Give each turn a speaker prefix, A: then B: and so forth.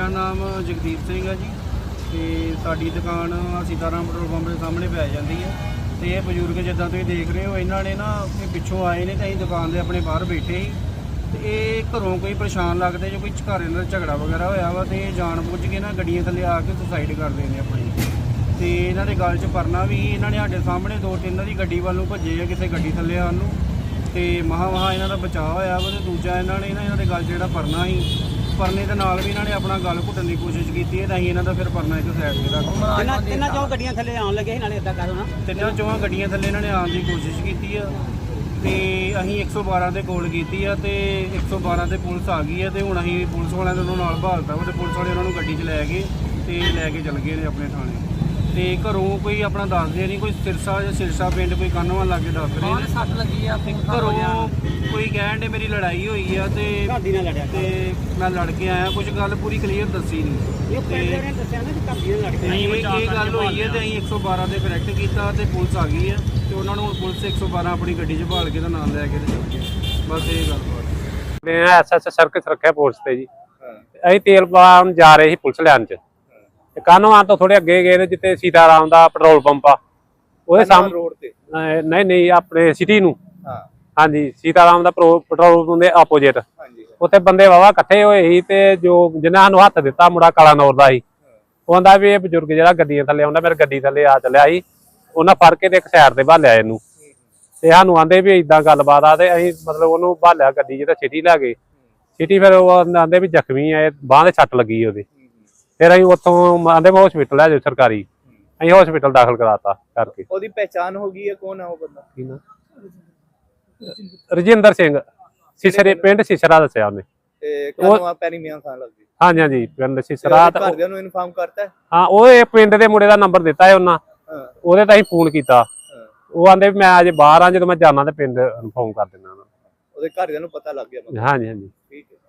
A: ਮੇਰਾ ਨਾਮ ਜਗਦੀਪ ਸਿੰਘ ਹੈ ਜੀ ਤੇ ਸਾਡੀ ਦੁਕਾਨ ਸੀਤਾਰਾਮ ਪੈਟਰੋਲ ਪੰਪ ਦੇ ਸਾਹਮਣੇ ਪੈ ਜਾਂਦੀ ਹੈ ਤੇ ਇਹ ਬਜ਼ੁਰਗ ਜਿੱਦਾਂ ਤੁਸੀਂ ਦੇਖ ਰਹੇ ਹੋ ਇਹਨਾਂ ਨੇ ਨਾ ਇਹ ਪਿੱਛੋਂ ਆਏ ਨੇ ਤੇ ਅਸੀਂ ਦੁਕਾਨ ਦੇ ਆਪਣੇ ਬਾਹਰ ਬੈਠੇ ਸੀ ਤੇ ਇਹ ਘਰੋਂ ਕੋਈ ਪਰੇਸ਼ਾਨ ਲੱਗਦੇ ਜੋ ਕੋਈ ਘਰ ਇਹਨਾਂ ਦਾ ਝਗੜਾ ਵਗੈਰਾ ਹੋਇਆ ਵਾ ਤੇ ਜਾਣ ਬੁੱਝ ਕੇ ਨਾ ਗੱਡੀਆਂ ਥੱਲੇ ਆ ਕੇ ਸੁਸਾਈਡ ਕਰਦੇ ਨੇ ਆਪਣੀ ਤੇ ਇਹਨਾਂ ਦੇ ਗਲ 'ਚ ਪਰਨਾ ਵੀ ਇਹਨਾਂ ਨੇ ਸਾਡੇ ਸਾਹਮਣੇ ਦੋ ਤਿੰਨ ਦੀ ਗੱਡੀ ਵੱਲ ਨੂੰ ਭੱਜੇ ਆ ਕਿਸੇ ਗੱਡੀ ਥੱਲੇ ਆਉਣ ਨੂੰ ਤੇ ਮਹਾ ਇਹਨਾਂ ਦਾ ਬਚਾਅ ਹੋਇਆ ਵਾ ਤੇ ਦੂਜਾ ਇਹਨਾਂ ਨੇ ਇਹਨਾਂ ਦੇ ਗਲ 'ਚ ਜਿਹੜਾ ਪਰਨਾ ਸੀ ਪਰਨੇ ਦੇ ਨਾਲ ਵੀ ਇਹਨਾਂ ਨੇ ਆਪਣਾ ਗਲ ਘੁੱਟਣ ਦੀ ਕੋਸ਼ਿਸ਼ ਕੀਤੀ ਹੈ ਤਾਂ ਅਸੀਂ ਇਹਨਾਂ ਦਾ ਫਿਰ ਪਰਨਾ ਇੱਕ ਸਾਈਡ 'ਤੇ ਰੱਖ
B: ਤਿੰਨਾਂ ਚੋਂ ਗੱਡੀਆਂ ਥੱਲੇ ਆਉਣ ਲੱਗੇ ਸੀ ਨਾਲੇ ਇਦਾਂ ਕਰੋ ਨਾ
A: ਤਿੰਨਾਂ ਚੋਂ ਗੱਡੀਆਂ ਥੱਲੇ ਇਹਨਾਂ ਨੇ ਆਉਣ ਦੀ ਕੋਸ਼ਿਸ਼ ਕੀਤੀ ਆ ਤੇ ਅਸੀਂ 112 ਦੇ ਕੋਲ ਕੀਤੀ ਆ ਤੇ 112 ਤੇ ਪੁਲਿਸ ਆ ਗਈ ਆ ਤੇ ਹੁਣ ਅਸੀਂ ਪੁਲਿਸ ਵਾਲਿਆਂ ਦੇ ਉਹਨਾਂ ਨਾਲ ਭਾਲਤਾ ਵਾ ਤੇ ਪੁਲਿਸ ਵਾਲੇ ਉਹਨਾਂ ਨੂੰ ਗੱਡੀ 'ਚ ਲੈ ਗਏ ਤੇ ਲੈ ਕੇ ਚਲ ਗਏ ਨੇ ਆਪਣੇ ਥਾਣੇ ਤੇ ਘਰੋਂ ਕੋਈ ਆਪਣਾ ਦੱਸਦੇ ਨਹੀਂ ਕੋਈ ਸਿਰਸਾ ਜਾਂ ਸਿਰਸਾ ਪਿੰਡ ਕੋਈ ਕਾਨੋਂ ਲਾਗੇ ਦੱਸ ਰਹੇ ਨੇ
B: ਸੱਟ ਲੱਗੀ ਆ
A: ਘਰੋਂ ਕੋਈ ਕਹਿਣ ਦੇ ਮੇਰੀ ਲੜਾਈ ਹੋਈ ਆ ਤੇ
B: ਘਾਦੀ ਨਾਲ ਲੜਿਆ
A: ਤੇ ਮੈਂ ਲੜ ਕੇ ਆਇਆ ਕੁਝ ਗੱਲ ਪੂਰੀ ਕਲੀਅਰ ਦੱਸੀ ਨਹੀਂ
B: ਇਹ ਪਹਿਲੇ ਨੇ ਦੱਸਿਆ ਨਾ ਕਿ ਘਾਦੀ ਨਾਲ ਲੜ ਕੇ
A: ਇਹ ਗੱਲ ਹੋਈ ਹੈ ਤੇ ਅਸੀਂ 112 ਤੇ ਕਰੈਕਟ ਕੀਤਾ ਤੇ ਪੁਲਿਸ ਆ ਗਈ ਹੈ ਤੇ ਉਹਨਾਂ ਨੂੰ ਹੁਣ ਪੁਲਿਸ 112 ਆਪਣੀ ਗੱਡੀ 'ਚ ਭਾਲ ਕੇ ਦਾ ਨਾਮ ਲੈ ਕੇ ਤੇ ਚਲ ਗਏ ਬਸ ਇਹ ਗੱਲ ਬਾਤ
C: ਮੈਂ ਐਸਐਸ ਸਰਕਸ ਰੱਖਿਆ ਪੁਲਿਸ ਤੇ ਜੀ ਅਸੀਂ ਤੇਲ ਪਾਉਣ ਜਾ ਰਹੇ ਸੀ ਪੁਲਿਸ ਲਾਈਨ 'ਚ ਤੇ ਕਾਨੋਂ ਤੋਂ ਥੋੜੇ ਅੱਗੇ ਗਏ ਨੇ ਜਿੱਥੇ ਸੀਤਾਰਾਮ ਦਾ ਪੈਟਰੋਲ ਪੰਪ ਆ ਉਹਦੇ ਸਾਹਮਣੇ ਰੋਡ ਤੇ ਨਹੀਂ ਆਪਣੇ ਸਿਟੀ ਨੂੰ ਹਾਂਜੀ ਸੀਤਾਰਾਮ ਦਾ ਪੈਟਰੋਲ ਪੰਪ ਦੇ ਆਪੋਜੀਟ ਉੱਥੇ ਬੰਦੇ ਵਾਵਾ ਇਕੱਠੇ ਹੋਏ ਸੀ ਤੇ ਜੋ ਜਿਨ੍ਹਾਂ ਨੂੰ ਹੱਥ ਦਿੱਤਾ ਮੁੰਡਾ ਕਾਲਾ ਨੌਰ ਦਾ ਸੀ ਉਹ ਕਹਿੰਦਾ ਵੀ ਇਹ ਬਜ਼ੁਰਗ ਜਿਹੜਾ ਗੱਡੀਆਂ ਥੱਲੇ ਆਉਂਦਾ ਮੇਰੇ ਗੱਡੀ ਥੱਲੇ ਆ ਚੱਲਿਆ ਸੀ ਉਹਨਾਂ ਫੜ ਕੇ ਤੇ ਇੱਕ ਸਾਈਡ ਤੇ ਭਾਲਿਆ ਇਹਨੂੰ ਤੇ ਸਾਨੂੰ ਆਂਦੇ ਵੀ ਇਦਾਂ ਗੱਲਬਾਤ ਆ ਤੇ ਅਸੀਂ ਮਤਲਬ ਉਹਨੂੰ ਭਾਲਿਆ ਗੱਡੀ 'ਚ ਤੇ ਸਿਟੀ ਲੈ ਗਏ ਸਿਟੀ ਫਿਰ ਉਹ ਆਂਦੇ ਵੀ ਜ਼ਖਮੀ ਆ ਬਾਂਹ ਦੇ ਸੱਟ ਲੱਗੀ ਉਹਦੇ ਫਿਰ ਅਸੀਂ ਉੱਥੋਂ ਆਂਦੇ ਮੈਂ ਹਸਪੀਟਲ ਲੈ ਜਾਓ ਸਰਕਾਰੀ ਅਸੀਂ ਹਸਪੀਟਲ ਦਾਖਲ ਕਰਾਤਾ ਕਰਕੇ
D: ਉਹਦੀ ਪਹਿਚਾਣ ਹੋ ਗਈ ਹੈ ਕੌਣ ਹੈ ਉਹ ਬੰਦਾ
C: ਕੀ ਨਾ ਰਜਿੰਦਰ ਸਿੰਘ ਸਿਸਰੇ ਪਿੰਡ ਸਿਸਰਾ ਦੱਸਿਆ ਉਹਨੇ
D: ਤੇ ਕਦੋਂ ਆ ਪੈਰੀ ਮੀਆਂ ਖਾਨ ਲੱਗਦੀ
C: ਹਾਂਜੀ ਹਾਂਜੀ ਪਿੰਡ ਸਿਸਰਾ
D: ਘਰਦਿਆਂ ਨੂੰ ਇਨਫਾਰਮ ਕਰਤਾ
C: ਹਾਂ ਉਹ ਇਹ ਪਿੰਡ ਦੇ ਮੁੰਡੇ ਦਾ ਨੰਬਰ ਦਿੱਤਾ ਹੈ ਉਹਨਾਂ ਉਹਦੇ ਤਾਂ ਅਸੀਂ ਫੋਨ ਕੀਤਾ ਉਹ ਆਂਦੇ ਵੀ ਮੈਂ ਅਜੇ ਬਾਹਰ ਆ ਜਦੋਂ ਮੈਂ ਜਾਣਾ ਤੇ ਪਿੰਡ ਇਨਫੋਰਮ ਕਰ ਦਿੰਦਾ
D: ਉਹਦੇ ਘਰਦਿਆਂ ਨੂੰ ਪਤਾ ਲੱਗ ਗਿਆ
C: ਹਾਂਜੀ ਹਾਂਜੀ
D: ਠੀਕ ਹੈ।